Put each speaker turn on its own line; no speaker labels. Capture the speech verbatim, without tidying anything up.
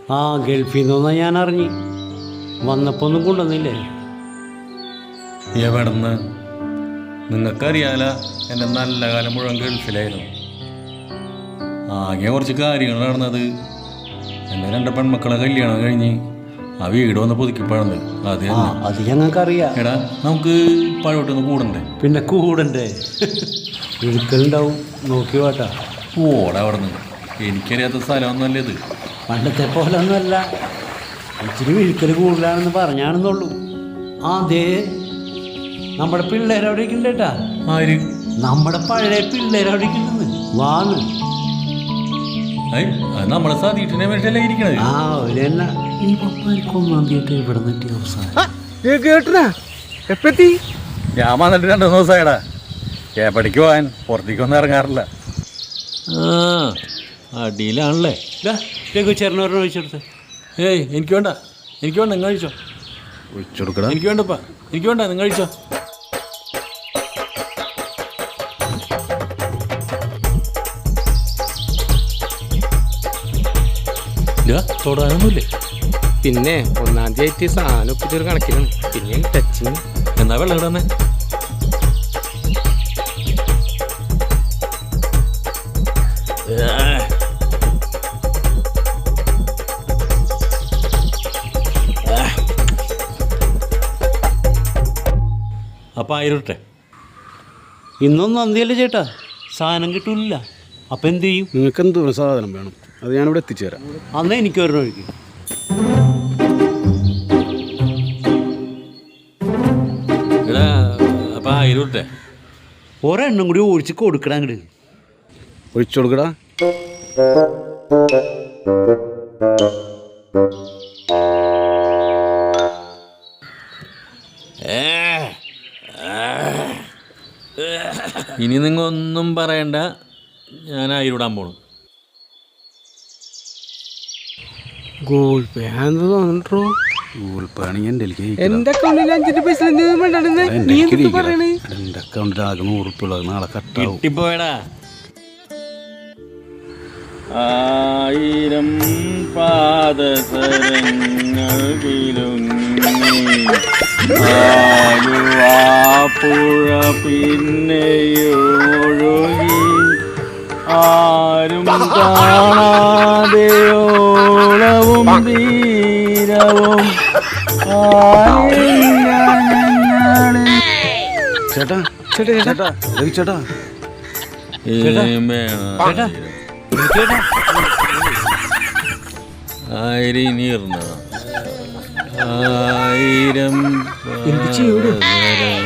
ആ ഗൾഫിൽ നിന്നൊന്നാ ഞാൻ അറിഞ്ഞു. വന്നപ്പോൾ ഒന്നും കൊണ്ടുവന്നില്ലേ?
എവിടെന്ന്? നിങ്ങൾക്കറിയാല എൻ്റെ നല്ല കാലം മുഴുവൻ ഗൾഫിലായിരുന്നു. ആകെ കുറച്ച് കാര്യങ്ങൾ നടന്നത്. എൻ്റെ രണ്ട് പെൺമക്കളെ കല്യാണം കഴിഞ്ഞ് ആ വീട് വന്ന് പുതുക്കിപ്പഴന്ന്. അത്
അത് ഞങ്ങൾക്കറിയാം.
എടാ നമുക്ക് പഴോട്ടൊന്ന് കൂടണ്ടേ?
പിന്നെ കൂടണ്ടേ? ഒരിക്കലുണ്ടാവും. നോക്കി വാട്ടാ.
ഓടാ അവിടെ നിന്ന്. എനിക്കറിയാത്ത സ്ഥലമൊന്നുമല്ല ഇത്.
പണ്ടത്തെ പോലെ ഒന്നുമല്ല. ഇച്ചിരി വിഴുക്കൽ കൂടുതലാണെന്ന് പറഞ്ഞാണെന്നുള്ളൂ. ആ ദേ നമ്മുടെ പിള്ളേരവിടേക്ക് ഉണ്ട് കേട്ടാ.
ആര്?
നമ്മുടെ പഴയ പിള്ളേരവിടേക്ക് ഉണ്ടെന്ന്. വാന്ന്
നമ്മളെ സാധിട്ടിനെ വേണ്ടിയല്ലേ ഇരിക്കണത്.
ആ ഒരു തന്നെ ഈ പപ്പാർക്ക് ഒന്നാം തീയതി ഇവിടെ നിന്നിട്ട് അവസാനം
കേട്ടനാ എപ്പത്തി
ഞാൻ വന്നിട്ട് രണ്ടു മൂന്ന് ദിവസമായടാ. എപ്പടിക്ക് പോകാൻ പുറത്തേക്കൊന്നും ഇറങ്ങാറില്ല. ആ അടിയിലാണല്ലേ.
ചേർന്ന് പറഞ്ഞ ഒഴിച്ചെടുത്ത്.
ഏയ് എനിക്ക് വേണ്ട, എനിക്ക് വേണ്ട, നിങ്ങൾ കഴിച്ചോ. ഒഴിച്ചെടുക്കടാ. എനിക്ക് വേണ്ടപ്പാ, എനിക്ക് വേണ്ട, നിങ്ങൾ കഴിച്ചോ. തൊടാനൊന്നുമില്ലേ?
പിന്നെ ഒന്നാം തീയതി ആയിട്ട് സാധനം ഒപ്പിച്ചൊരു കണക്കിലാണ്. പിന്നെ ടച്ചിങ്.
എന്നാ വെള്ളം ഇടന്നെ. അപ്പം ആയിരട്ടെ.
ഇന്നൊന്നും അന്തിയല്ലേ ചേട്ടാ, സാധനം കിട്ടൂല. അപ്പം എന്ത് ചെയ്യും?
നിങ്ങൾക്ക് എന്ത് സാധനം വേണം? അത് ഞാനിവിടെ എത്തിച്ചേരാം.
അന്നേ എനിക്ക് വരണ ഒഴിക്കും.
എടാ അപ്പം ആയിരട്ടെ.
ഒരെണ്ണം കൂടി ഒഴിച്ച് കൊടുക്കടാ. അങ്ങോട്ട്
ഒഴിച്ചു കൊടുക്കടാ.
ഇനി നിങ്ങൾ ഒന്നും പറയണ്ട, ഞാൻ ആയിരൂടാൻ പോണു.
ഗൂഗിൾ പേ ആണെന്ന് തോന്നിട്ടോ.
ഗൂഗിൾ പേ ആണെങ്കിൽ എൻ്റെ
എൻ്റെ അക്കൗണ്ടിൽ അഞ്ചിന്റെ പൈസ നീ എന്ത് പറയണേ?
എൻ്റെ അക്കൗണ്ടിൽ ആകെ നൂറ് ഉറുപ്പ ഉള്ളത്. നാളെ കട്ടാവും.
കിട്ടിപ്പോയടാ. ആയിരം പാദസരങ്ങൾ പുഴ പിന്നെയൊഴുകി ആരും കാണാതെയോളവും തീരവും.
ചേട്ടാ ചേട്ടാ ചേട്ടാ രവി ചേട്ടാ
ആയിരം നീർന്നതാ. ആയിരം